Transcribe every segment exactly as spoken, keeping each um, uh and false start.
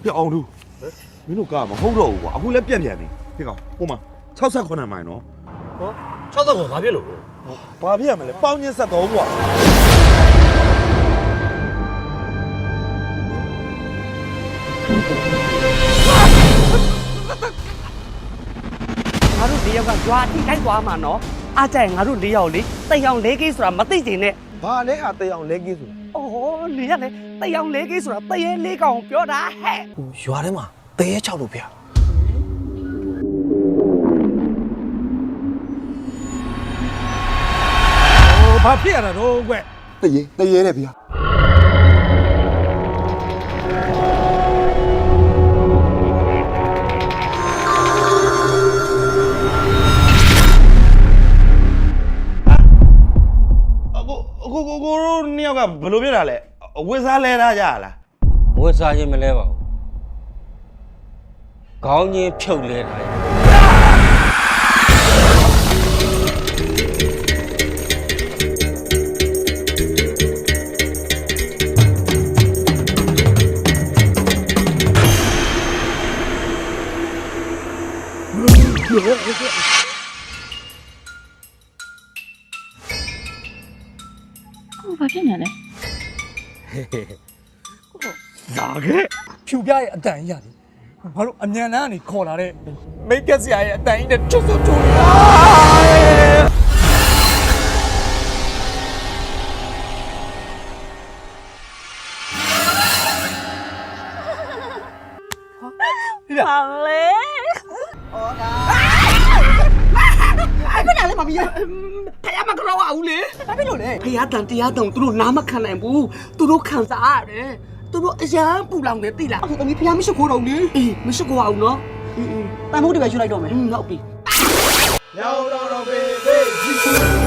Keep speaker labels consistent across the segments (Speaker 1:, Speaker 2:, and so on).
Speaker 1: ပြအောင်သူမင်းတို့ကားမဟုတ်တော့ဘူးကွာအခုလည်းပြက်ပြန်နေဒီကောင်ဟိုမှာsixty-nineမိုင်နော်
Speaker 2: ဟောsixty-nineဘာဖြစ်လို့
Speaker 1: ဘာဖြစ်ရမလဲပေါင်းချင်းဆက်တော့ကွာ
Speaker 3: ငါတို့၄ယောက်ကကြွားထိတိုက်သွားမှာနော်အားကြိုင်ငါတို့၄ယောက်လေတိတ်အောင်၄ကိဆိုတာမသိချင်နဲ့
Speaker 1: ဘာလဲဟာတေးအောင်လဲကြီးဆို
Speaker 3: အိုးနေရလေတိတ်အောင်၄ကိဆိုတာတရေ၄ကောင်ပြောတာဟဲ့
Speaker 2: ဟိုရွာထဲမှာတရေချောက်လို့ဗျာ
Speaker 4: ဘာဖြစ်ရတာတော့ကွ
Speaker 1: တရေတရေတဲ့ဗျာအခုအခုကိုတို့နှစ်ယောက်ကဘယ်လိုဖြစ်တာလဲဝစ်စားလဲထားကြလား
Speaker 5: မွေးစားခြင်းမလဲပါဘူးခေါင်းချင်းဖြုတ်လဲတာ
Speaker 6: ဘာဖြစ်နေလဲ
Speaker 4: လာခဲ့ဖြူပြရဲ့အတန်ကြီးရတယ်ဘာလို့အမြန်လန်းကနေခေါ်လာတဲ့မိတ်ကက်ဆရာရဲ့အတန်ကြီးနဲ့ချွတ်ချွတ်ချွတ်နေတာ
Speaker 3: ဟာလေဟောတာအဲ့ဘယ်နဲ့လဲမမီးဖယားမကြောက်အောင်လေဘာဖြစ်လို့လဲဖယားတန်တရားတောင်သူတို့နားမခံနိုင်ဘူးသူတို့ခံစားရတယ်သူတို့အရန်ပူလောင်တယ်သိလားအခုသမီးဖယားမရှိခိုးတော့လေအေးမရှိခိုးအောင်နော်အေးအေးတန်မိုးတွေပဲယူလိုက်တော့မယ်ဟုတ်ပြီရောက်တော့တော့ဘေးဘေးကြီး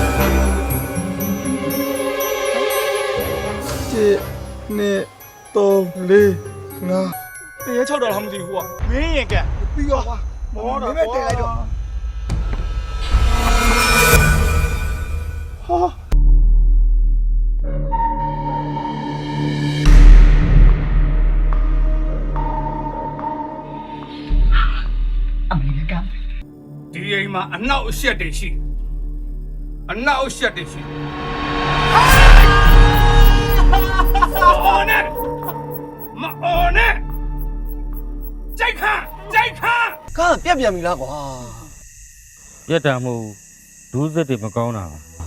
Speaker 1: ချစ်နေတော့လေးငါ
Speaker 4: တရေချောက်တော့လားမသိဘူးကွာမင်းရင်ကဲ
Speaker 1: ပြီးတော့မောတော့မင်းပဲတင်လိုက်တော့ဟာ
Speaker 4: ဒီအိမ်မှာအနောက်အရှက်တွေရှိအနောက်အရှက်တွေရှိအော်နဲ့မအော်နဲ့ကြိုက်ခါကြိုက်ခါ
Speaker 2: ကားပြက်ပြန်ပြီလားကွာ
Speaker 5: ပြက်တာမဟုတ်ဒူးစစ်တွေမကောင်းတာပါ